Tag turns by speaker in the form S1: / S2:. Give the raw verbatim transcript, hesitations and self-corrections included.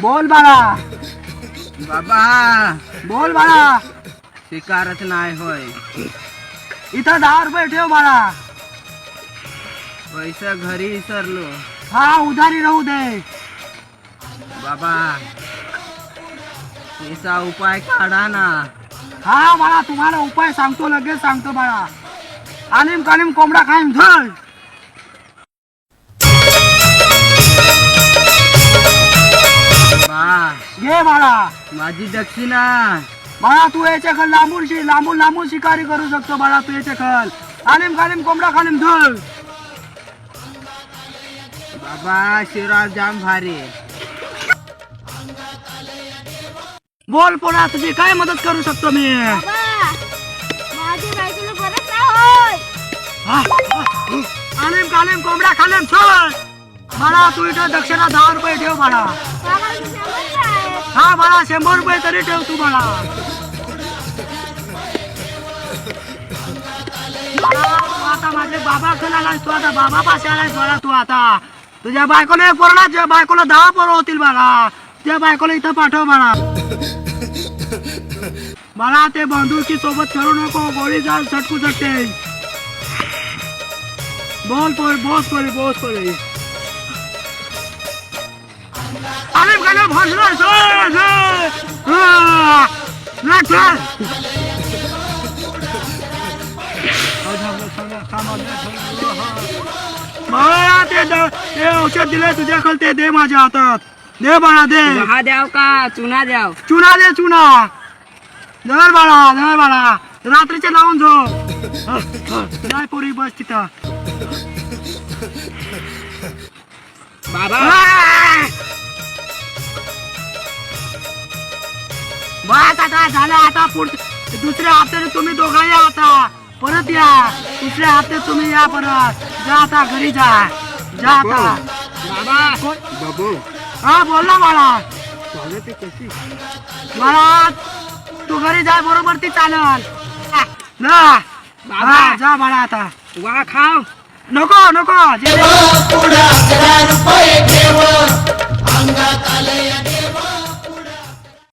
S1: बोल बाळा.
S2: बाबा
S1: बोल बाळा.
S2: शिकारच नाही होय.
S1: इथं दहा रुपये ठेव बाळा.
S2: पैसा घरी विसरलो.
S1: हा उधारी राहू दे.
S2: बाबा याचा उपाय काढा ना.
S1: हा बाळा तुम्हाला उपाय सांगतो, लगेच सांगतो बाळा. आलिम कालिम कोंबडा खाईम झळ.
S2: बा
S1: घे बाळा.
S2: माझी दक्षिणा.
S1: बाळा तू याच्या खल लांबून शि लांबून लांबून शिकारी करू शकतो बाळा तू याच्या खल. आलिम कालिम कोंबडा खालीम झळ.
S2: बाबा शिवराज जाम भारी.
S1: बोल पोरा तुझी काय मदत करू शकतो मी. आलिम कालिम कोंबडा खालीम झळ. बाळा तू इथं दक्षिणा दहा रुपये ठेव बाळा. हा बाळा शंभर रुपये तरी ठेव तू बाळा. आता माझे बाबा कडे आलास तू, आता बाबा पाशी आलास बाळा तू. आता तुझ्या बायकोला एक पोरला, तुझ्या बायकोला दहा पोरं होतील बाळा. त्या बायकोला इथं पाठव बाळा. बाळा ते बंदुकी सोबत खेळू नको, गोळी जाल सटकू शकते. बोल पोरी बोस पोरी बोस पोरी. आलिम कालिम हसला झळ झळ. हा लाट चल. बाळा ते ते औषध दिले तुझ्याकडे ते दे माझ्या हातात. दे बाळा दे.
S2: हा द्याव का चुना द्याव.
S1: चुना दे चुना. धर बाळा धर बाळा. रात्रीचे लावून झोप. नाही पोरी बस तिथं.
S2: बाबा
S1: बस आता झालं. आता पुढच्या दुसऱ्या हप्त्याने तुम्ही दोघा या. आता परत या. दुसऱ्या हप्त्यात तुम्ही या परत. जा आता घरी जा. जा आता.
S2: बाबा बाबू
S1: हा बोल ना बाळा.
S2: चालते कशी.
S1: बाळा तू घरी जा बरोबर ती चालल ना. हा जा बाळा आता.
S2: वा खाव.
S1: नको नको.
S3: पुढे अकरा रुपये ठेव अंगात आले